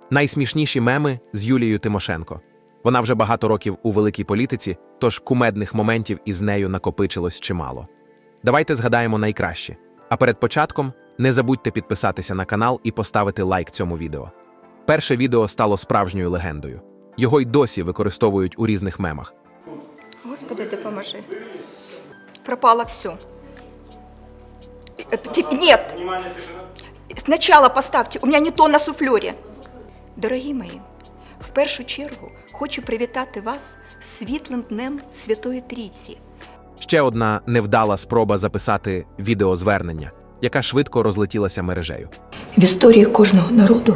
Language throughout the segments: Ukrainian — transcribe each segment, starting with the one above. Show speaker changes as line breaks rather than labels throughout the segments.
Найсмішніші меми з Юлією Тимошенко. Вона вже багато років у великій політиці, тож кумедних моментів із нею накопичилось чимало. Давайте згадаємо найкраще. А перед початком не забудьте підписатися на канал і поставити лайк цьому відео. Перше відео стало справжньою легендою. Його й досі використовують у різних мемах.
Господи, допоможи. Пропало все. Нет. Сначала поставьте, у меня не то на суфльорі. Дорогі мої, в першу чергу хочу привітати вас з світлим днем Святої Трійці.
Ще одна невдала спроба записати відеозвернення, яка швидко розлетілася мережею.
В історії кожного народу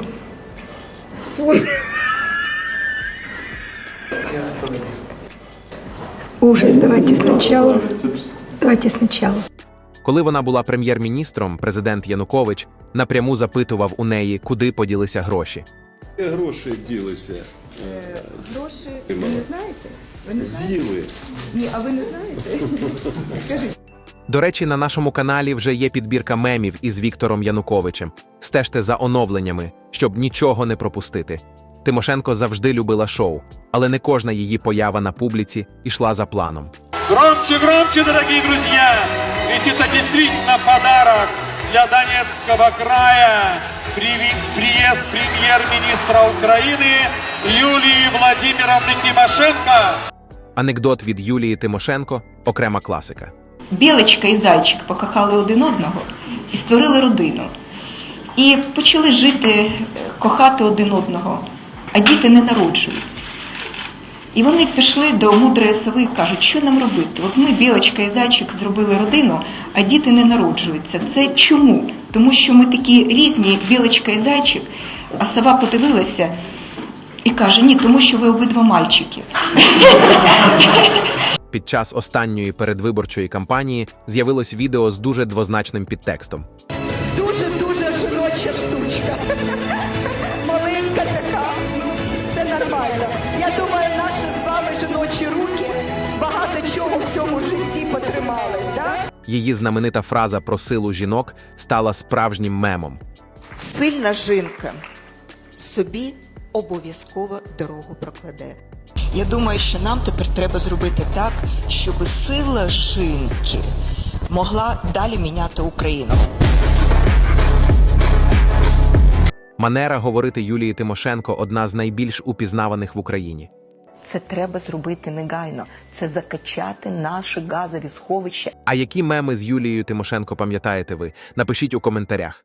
ужас, давайте сначала.
Коли вона була прем'єр-міністром, президент Янукович напряму запитував у неї, куди поділися гроші.
Гроші ділися.
Гроші, ви не знаєте? Ви не знаєте?
З'їли.
Ні, а ви не знаєте? Скажіть.
До речі, на нашому каналі вже є підбірка мемів із Віктором Януковичем. Стежте за оновленнями, щоб нічого не пропустити. Тимошенко завжди любила шоу, але не кожна її поява на публіці йшла за планом.
Громче, громче, дорогие друзья! Ведь это действительно подарок для Донецкого края. Приезд премьер-министра Украины Юлии Владимировны Тимошенко.
Анекдот від Юлії Тимошенко – окрема класика.
Білочка і зайчик покохали один одного і створили родину. І почали жити, кохати один одного, а діти не народжуються. І вони пішли до мудрої сови і кажуть, що нам робити? От ми, білочка і зайчик, зробили родину, а діти не народжуються. Це чому? Тому що ми такі різні, білочка і зайчик, а сова подивилася і каже, ні, тому що ви обидва мальчики.
Під час останньої передвиборчої кампанії з'явилось відео з дуже двозначним підтекстом.
Дуже-дуже жіноча штучка. Маленька така, все нормально. Я думаю, наші з вами жіночі руки багато чого в цьому житті потримали, да?
Її знаменита фраза про силу жінок стала справжнім мемом.
Сильна жінка собі обов'язково дорогу прокладе. Я думаю, що нам тепер треба зробити так, щоб сила жінки могла далі міняти Україну.
Манера говорити Юлії Тимошенко – одна з найбільш упізнаваних в Україні.
Це треба зробити негайно. Це закачати наші газові сховища.
А які меми з Юлією Тимошенко пам'ятаєте ви? Напишіть у коментарях.